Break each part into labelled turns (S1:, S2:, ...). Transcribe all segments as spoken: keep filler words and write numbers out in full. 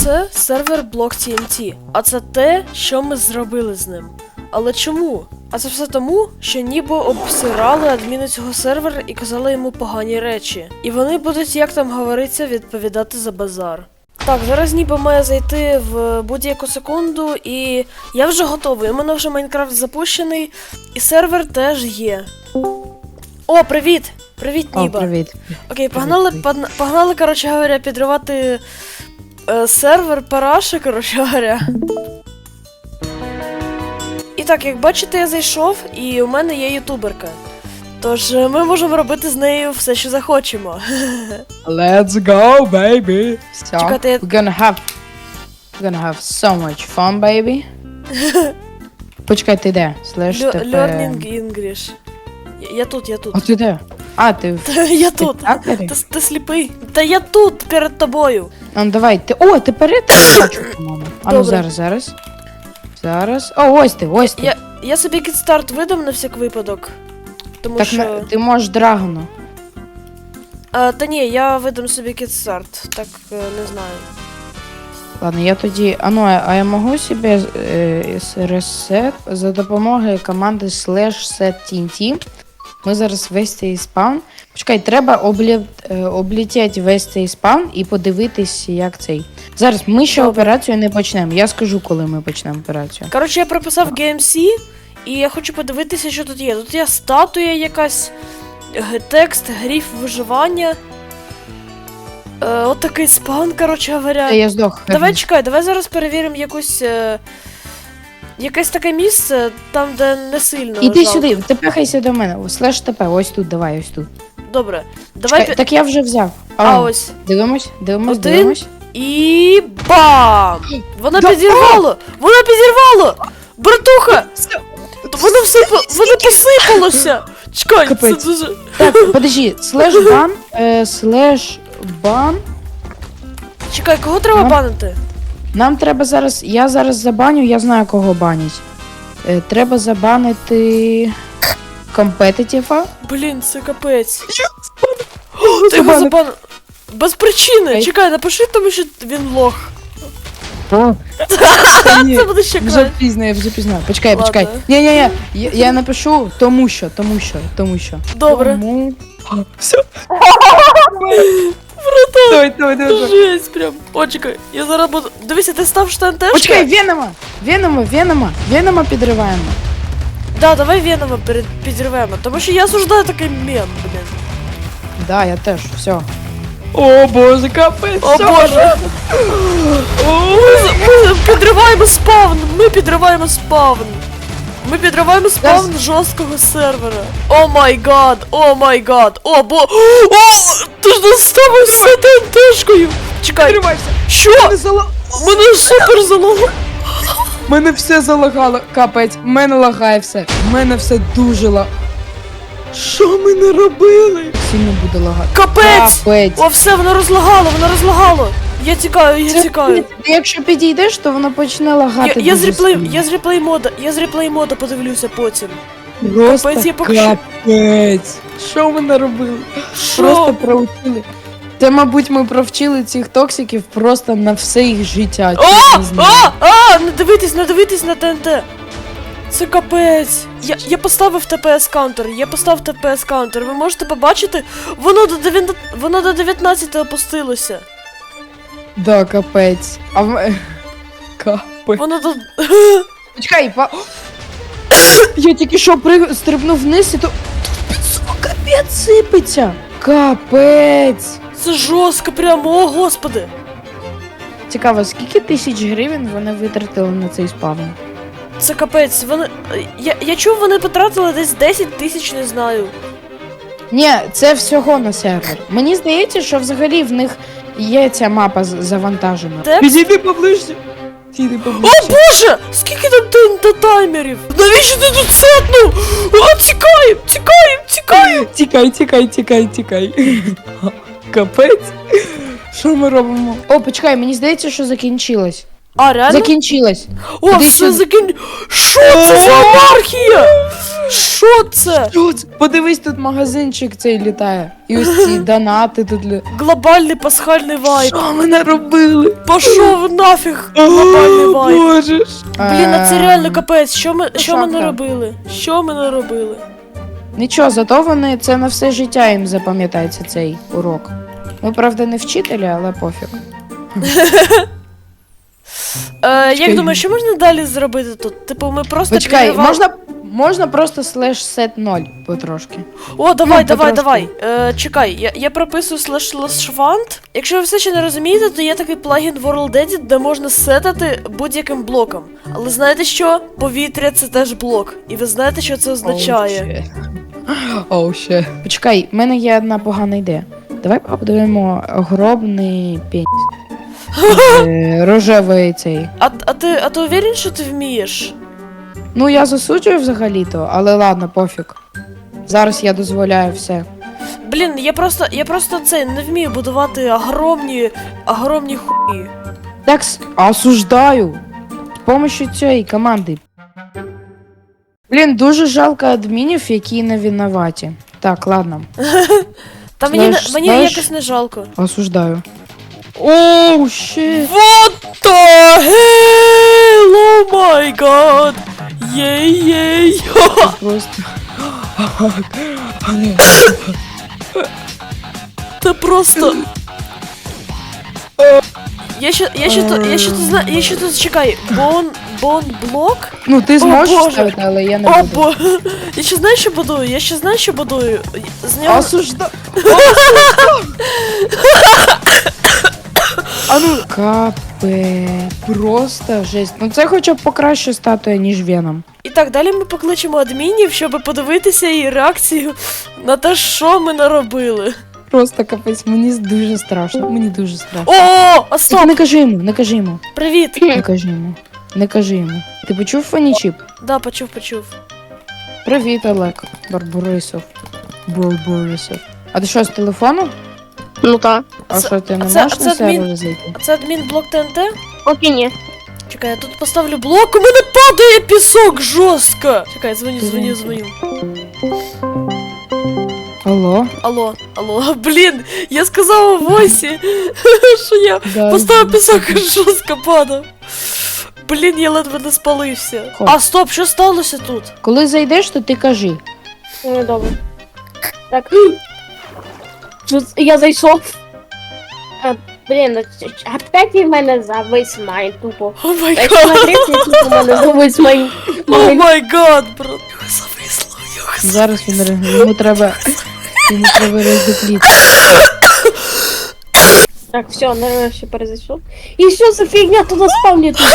S1: це сервер блок Ті Ен Ті, а це те, що ми зробили з ним. Але чому? А це все тому, що ніби обсирали адміни цього сервера і казали йому погані речі. І вони будуть, як там говориться, відповідати за базар. Так, зараз ніби має зайти в будь-яку секунду, і я вже готовий. У мене вже Майнкрафт запущений, і сервер теж є. О, привіт! Привіт, Ніба.
S2: О, привіт.
S1: Окей, погнали, погнали, погнали, коротше говоря, підривати е, сервер параші, коротше говоря. І так, як бачите, я зайшов, і у мене є ютуберка. Тож ми можемо робити з нею все, що захочемо.
S2: Let's go, baby. So,
S1: Чекайте, я...
S2: we're gonna have we're gonna have so much fun, baby. Почекай, ти де? Слеш
S1: Лю-
S2: тебе...
S1: Learning English. Я, я тут, я тут.
S2: А ти де? А, ти в
S1: Та я тут.
S2: Тіктокері?
S1: Ти, ти сліпий. Та я тут, перед тобою.
S2: А, ну давай, ти... О, ти перед бачу, по-моєму. А ну
S1: Добре.
S2: зараз, зараз. Зараз. О, ось ти, ось ти.
S1: Я, я собі кідстарт видам на всяк випадок. Тому
S2: Так,
S1: що...
S2: на- ти можеш драгону.
S1: А, та ні, я видам собі кідстарт. Так, е, не знаю.
S2: Ладно, я тоді... А ну, а я можу собі е, ресет за допомогою команди slash set Ті Ен Ті. Ми зараз весь цей спаун. Почекай, треба облі... е, облетіти весь цей спаун і подивитись, як цей. Зараз ми ще
S1: Добре.
S2: операцію не почнемо. Я скажу, коли ми почнемо операцію.
S1: Коротше, я прописав Ге Ем Сі, і я хочу подивитися, що тут є. Тут є статуя якась, г- текст, гриф виживання. Е, от такий спаун, коротше говоря.
S2: Та я здох.
S1: Давай чекай, давай зараз перевіримо якусь. Е... Якесь таке місце, там, де не сильно.
S2: Іди
S1: жалко.
S2: сюди, ти пихайся до мене. Слеш ТП, ось тут, давай, ось тут.
S1: Добре. Давай.
S2: Чекай,
S1: пі-
S2: так я вже взяв.
S1: А ось.
S2: Дивимось, дивимось,
S1: Один.
S2: дивимось.
S1: І бам! Вона
S2: Да-
S1: підірвала! Вона підірвала! Братуха! Воно все по- воно посипалося! Чекай, це
S2: Капець.
S1: дуже.
S2: Так, подожди, слеш бан, е, слеш бан.
S1: Чекай, кого треба
S2: Нам-
S1: банити?
S2: Нам треба зараз, я зараз забаню, я знаю кого банять. Е, треба забанити компетитіва.
S1: Блін, це капець. О, Ти його
S2: Забанив.
S1: забанив. Без причини.
S2: Ей.
S1: Чекай, напиши, тому що він лох.
S2: О,
S1: Це буде ще
S2: вже
S1: краще.
S2: пізно, я вже пізно. Почекай,
S1: Ладно.
S2: почекай. Ні, ні, ні, я, я напишу тому що, тому що, тому що.
S1: Добре.
S2: Тому... Все.
S1: Братан,
S2: Давай, давай, давай. давай.
S1: жесть прям. О, чекай, я зараз буду. Дивися, ти став штантешка?
S2: Почекай, Венома! Венома, Венома, Венома підриваємо.
S1: Да, давай Венома перед підірвемо, тому що я осуждаю такий мем, блін.
S2: Да, я теж, все. О боже, капець.
S1: О боже! Ми, ми підриваємо спавн! Ми підриваємо спавн! Ми підриваємо спавн жорсткого сервера. О май гад! О май гад! О бо. О! Ти ж нас ставився ТНТшкою! Чекай!
S2: Підривайся.
S1: Що? Мене супер залого!
S2: Мене все залагало, капець, мене лагає все. Мене все дуже ла. Що ми не робили? Сильно буде лагати.
S1: Капець!
S2: Капець.
S1: О, все, воно розлагало, воно розлагало! Я тікаю, я
S2: Це-
S1: тікаю.
S2: Ти якщо підійдеш, то воно почне лагати.
S1: Я, я, з
S2: дуже
S1: реплей,
S2: сильно.
S1: я з реплей мода, я з реплей мода подивлюся потім.
S2: Просто
S1: Капець, я поки що-
S2: капець. Що ми наробили?
S1: Що?
S2: Просто проучили. Це, мабуть, ми провчили цих токсиків просто на все їх життя.
S1: О!
S2: чесно знаю.
S1: А! А! Не дивитись, не дивитись на ТНТ! Це капець! Я, я поставив Т Пі Ес каунтер, я поставив Т Пі Ес каунтер. Ви можете побачити? Воно до дев'ян- воно до дев'ятнадцяти опустилося.
S2: Да, капець. А в... Капець.
S1: Воно до.
S2: Почекай, па... Я тільки що при... стрибнув вниз і то... Тут капець сипеться. Капець.
S1: Це жорстко прямо, о господи!
S2: Цікаво, скільки тисяч гривень вони витратили на цей спавн?
S1: Це капець. Вони. Я, я чув, вони потратили десь десять тисяч, не знаю.
S2: Ні, це всього на сервер. Мені здається, що взагалі в них є ця мапа з- завантажена.
S1: Текст?
S2: Підійди поближче. Підійди
S1: О
S2: поближче.
S1: боже! Скільки там ТНТ таймерів? Навіщо ти тут сетнув? О, тікаєм! Тікаєм! Тікаєм!
S2: Тікай, тікай, тікай, тікай. Капець. Що ми робимо? О, почекай, мені здається, що закінчилось.
S1: А, реально?
S2: Закінчилось.
S1: О,
S2: Іди
S1: все
S2: сюди.
S1: закін... Що це за анархія? Що це?
S2: Що це? Подивись, тут магазинчик цей літає. І ось ці донати тут. лі-
S1: Глобальний пасхальний вайб.
S2: Що ми наробили?
S1: Пішов нафіг глобальний
S2: О,
S1: вайб.
S2: Боже ж.
S1: Блін, а це
S2: Е,
S1: реально капець. Що ми, що ми
S2: шапка.
S1: наробили? Що ми наробили?
S2: Нічого, зато вони це на все життя їм запам'ятається цей урок. Ми, правда, не вчителі, але пофіг.
S1: Е, як
S2: Чекай.
S1: думаєш, що можна далі зробити тут? Типу, ми просто
S2: Почекай,
S1: підривали-
S2: можна, можна просто слеш сет ноль потрошки.
S1: О, давай,
S2: Ну,
S1: давай,
S2: потрошки.
S1: давай. Е, чекай, я, я прописую slash slash font. Якщо ви все ще не розумієте, то є такий плагін World Edit, де можна сетати будь-яким блоком. Але знаєте що? Повітря це теж блок. І ви знаєте, що це означає?
S2: Оу, ще. Почекай, в мене є одна погана ідея. Давай подивимо гробний пеніс. Е, Рожевий цей.
S1: А, а ти а ти уверен, що ти вмієш?
S2: Ну, я засуджую взагалі-то, але ладно, пофіг. Зараз я дозволяю все.
S1: Блін, я просто я просто це не вмію будувати огромні огромні хуї.
S2: Так, с- осуждаю. З помощью цієї команди. Блін, дуже жалко адмінів, які не винуваті. Так, ладно.
S1: Та мені не-
S2: Знаєш,
S1: мені
S2: знаєш-
S1: якось не жалко.
S2: Осуждаю. Оу, щит.
S1: What the hell? Oh my god! Єй-єй!
S2: Просто.
S1: Це просто. Я ще, я ще тут, я ще тут знаю, я ще тут чекай, бон, бон блок?
S2: Ну, ти зможеш
S1: Боже.
S2: ставити, але я не
S1: О,
S2: буду.
S1: бо, я ще знаю, що будую, я ще знаю, що будую. З нього...
S2: Осуждаю. А ну, капе, просто жесть. Ну це хоча б покраще статуя, ніж Веном.
S1: І так, далі ми покличемо адмінів, щоб подивитися її реакцію на те, що ми наробили.
S2: Просто капець, мені дуже страшно, мені дуже страшно.
S1: О, а
S2: Так
S1: стоп!
S2: не кажи йому, не кажи йому,
S1: Привіт!
S2: не кажи йому, не кажи йому. Ти почув фанічіп?
S1: Да, почув, почув.
S2: Привіт, Олег Барборисов. Барборисов. А ти що, з телефону?
S3: Ну так.
S2: А
S1: Це-
S2: що, ти не
S1: а це-
S2: можеш
S1: а
S2: на
S1: це адмін-
S2: сервер зайти?
S1: А це адмін блок ТНТ?
S3: Поки ні.
S1: Чекай, я тут поставлю блок, у мене падає пісок жорстко! Чекай, дзвоню, дзвоню, дзвоню.
S2: Алло?
S1: Алло, алло, блін, я сказала Восі, що я
S2: Да,
S1: поставив пісок і жорстко падав. Блін, я ледве не спалився.
S2: Хоч.
S1: А, стоп, що сталося тут?
S2: Коли зайдеш, то ти кажи.
S3: Ну, добре. Так. Тут я зайшов. А, блін, а ч- опять в мене завис майн тупо.
S1: О май
S3: Якщо
S1: гад,
S3: на третій, тупо в мене завис майн.
S1: о май гад, брат. Його зависло, його зависло.
S2: Зараз він ре- йому треба. Йому треба роздупліти.
S3: Так, все, нарешті перезайшов. І що за фігня туди спавні тут?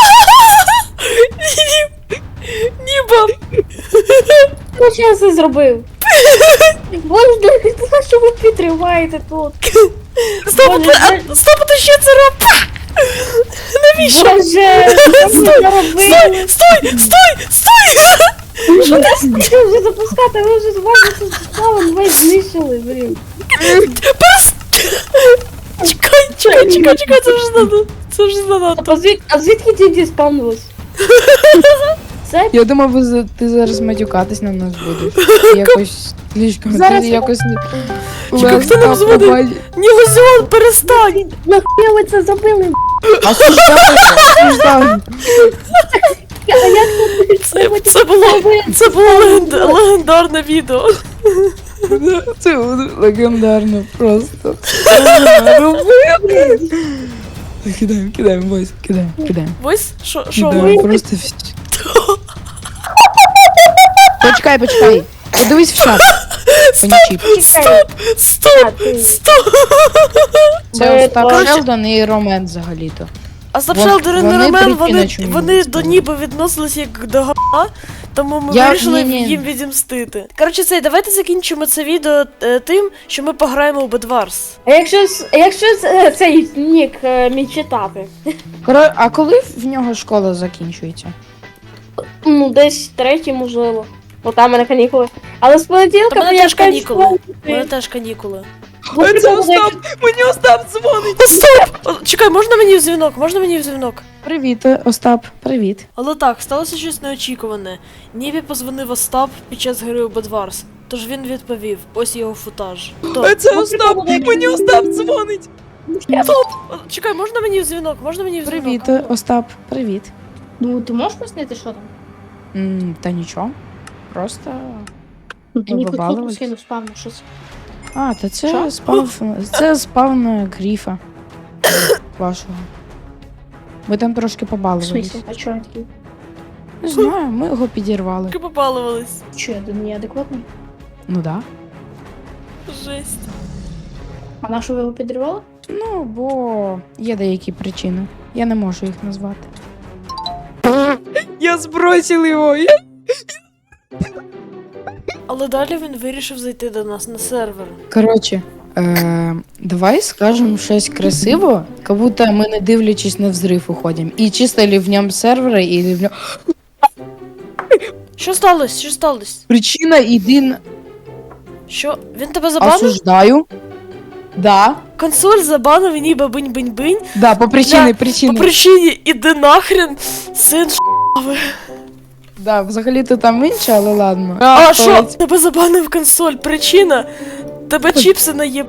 S1: Ні, ні, баб.
S3: Ну, що я це зробив? Боже, для що ви підриваєте тут?
S1: Стоп,
S3: Боже,
S1: ти, а, стоп, ти що це робиш? Навіщо?
S3: Боже, що ви
S1: Стой,
S3: зробили?
S1: стой, стой, стой!
S3: Що ти хотів вже запускати? Ви вже з вами тут спавн весь знищили, блін.
S1: Чекай, чекай, чекай, чекай, це вже надо. Це вже занадто.
S3: А звід- а звідки ті ті спавнились? Це
S2: Я думав, ви за- ти зараз матюкатись на нас будеш. Якось слишком.
S3: Зараз
S2: Ти
S3: я-
S2: якось не.
S1: Чекай, хто нам
S2: Леска,
S1: дзвонить?
S2: побач-
S1: Ні, Лузіон, перестань!
S3: нахуя ви це зробили?
S2: Осуждаю, осуждаю.
S3: А як тут
S1: Це, це було, це було легенда- легендарне відео.
S2: Це легендарно просто. Кидаємо, кидаємо, бойся, кидаємо, кидаємо.
S1: Ось, що, що
S2: Кидаємо,
S1: ви?
S2: просто всі. Почекай, почекай. Подивись в чат. Панічіп.
S1: Стоп, стоп, стоп.
S2: Це Остап
S3: Коротше-
S2: Шелдон і Ромен взагалі-то.
S1: А Стоп
S2: Вон-
S1: Шелдер і
S2: вони
S1: Неремен,
S2: прикинуть,
S1: вони,
S2: чому
S1: вони
S2: не
S1: до
S2: сказали.
S1: ніби відносились як до га, тому ми
S2: Я-
S1: вирішили
S2: ні-ні.
S1: їм відімстити. Коротше, це, давайте закінчимо це відео е, тим, що ми пограємо у Bedwars.
S3: А якщо, с- якщо с- цей нік е, мій читати?
S2: Коро- А коли в нього школа закінчується?
S3: Ну, десь третій, можливо. Бо там в мене канікули. Але з
S1: Та
S3: понеділка
S1: мене
S3: я
S1: теж
S3: шукаю
S1: канікули.
S3: школу.
S1: У мене теж канікули.
S3: Вот
S2: Це
S3: это
S2: Остап! Мені Остап дзвонить!
S1: Остап! О, чекай, можна мені в дзвінок? Можна мені в дзвінок?
S2: Привіт, Остап, привіт.
S1: Але так, сталося щось неочікуване. Нібі позвонив Остап під час гри у Bedwars. Тож він відповів, ось його футаж. Хто?
S2: Це Остап! Мені Остап дзвонить!
S1: О, чекай, можна мені в дзвінок? Можна мені в дзвінок?
S2: Привіт, Остап, привіт.
S3: Ну, ти можеш пояснити, що там?
S2: М, Та нічого. Просто.
S3: Ну, ти
S2: Ви
S3: ніби
S2: побалувались?
S3: кнопку скинув спавну, щось.
S2: А, та це
S3: Що?
S2: спав. Це спавн гріфа. Вашого. Ми там трошки
S3: В
S2: побалувались.
S3: смысле? А чого я такий?
S2: Не знаю, ми його підірвали.
S1: Тільки попалувались.
S3: Чо, я неадекватний?
S2: Ну да.
S1: Жесть.
S3: А на що ви його підривали?
S2: Ну, бо є деякі причини. Я не можу їх назвати. Я збросив його! Я...
S1: Але далі він вирішив зайти до нас на сервер.
S2: Коротше, е, давай скажемо щось красиво, як будто ми не дивлячись на взрив уходимо. І чисто в ньому сервера, і в ньому...
S1: Що сталося? Що сталося?
S2: Причина єдина...
S1: Що? Він тебе забанив?
S2: Осуждаю. Да.
S1: Консоль забанив і ніби бинь-бинь-бинь.
S2: Да, по причині,
S1: По
S2: причини.
S1: причині іди нахрен, син ш**ви.
S2: Да, взагалі-то там інше, але ладно.
S1: А що?
S2: Полеть.
S1: Тебе забанив консоль. Причина? Тебе чіпси наєб...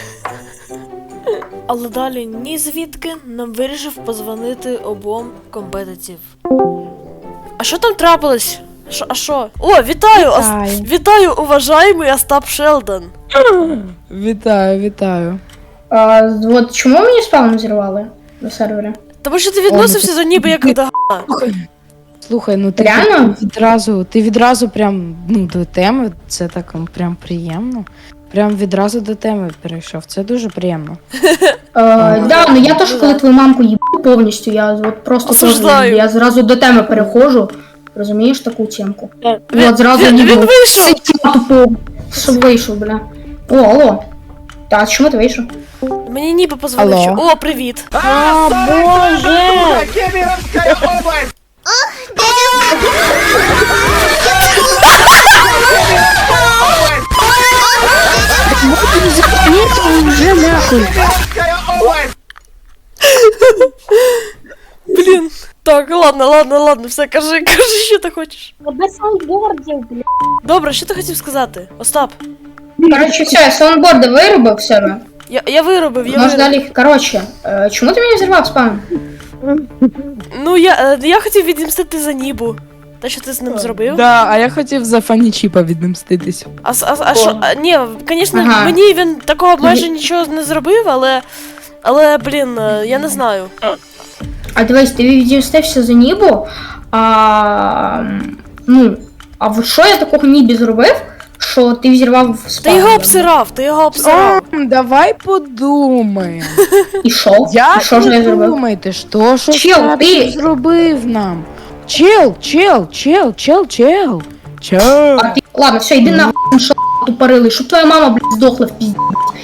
S1: Але далі ні звідки нам вирішив позвонити обом компетитів. А що там трапилось? Шо, а що? О, вітаю! Ос...
S2: Вітаю.
S1: Вітаю, уважаємий Остап Шелдон.
S2: Вітаю, вітаю.
S3: А, от чому мені спавн зірвали на сервері?
S1: Тому що ти відносився до ніби як до га.
S2: Слухай, ну ти
S3: Реально?
S2: відразу, ти відразу прям ну, до теми, це так м, прям приємно. Прям відразу до теми перейшов. Це дуже приємно.
S3: Е, да, ну я теж, коли твою мамку їбу повністю, я от просто теж,
S1: Осуждаю.
S3: я зразу до теми переходжу. Розумієш таку темку?
S1: Він-
S3: От зразу
S1: він-
S3: ніби
S1: він вийшов!
S3: тупо, щоб вийшов, бля. О, алло. Та, чому ти вийшов?
S1: Мені ніби позвонив.
S2: Алло.
S1: що- О, привіт!
S3: А, боже!
S2: Вже нахуй.
S1: Блін. Так, ладно, ладно, ладно, все, кажи, кажи, що ти хочеш.
S3: Без саундбордів, бля.
S1: Добре, що ти хотів сказати? Остап,
S3: Коротше, все, я саундборди виробив в себе.
S1: я, я виробив, я
S3: Може
S1: виробив.
S3: далі, коротше, е, чому ти мені взірвав спам?
S1: Ну, я, е, я хотів відімстити за Нібу. Те, що ти з ним зробив.
S2: Да, а я хотів за фанічіпа відмститись.
S1: А, с- а, а що, а, ні, звісно,
S3: Ага.
S1: мені він такого майже нічого не зробив, але, але, блін, е, я не знаю.
S3: А дивись, ти відістився за Нібу, а, м, ну, а от що я такого Нібі зробив, що ти взірвав
S1: Ти
S3: спам?
S1: його обсирав, ти його обсирав.
S2: О, давай подумаємо.
S3: І що?
S2: Я
S3: І що ж я зробив?
S2: думаєте, що що
S3: Чел,
S2: Остап
S3: ти-
S2: зробив нам? Чел, чел, чел, чел, чел. Чел.
S3: А ти, ладно, все, йди нахуй, що тупорилий, щоб твоя мама, блядь, здохла в пізді.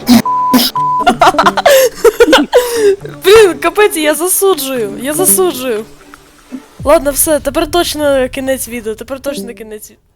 S1: Блін, капець, я засуджую, я засуджую. Ладно, все, тепер точно кінець відео, тепер точно кінець відео.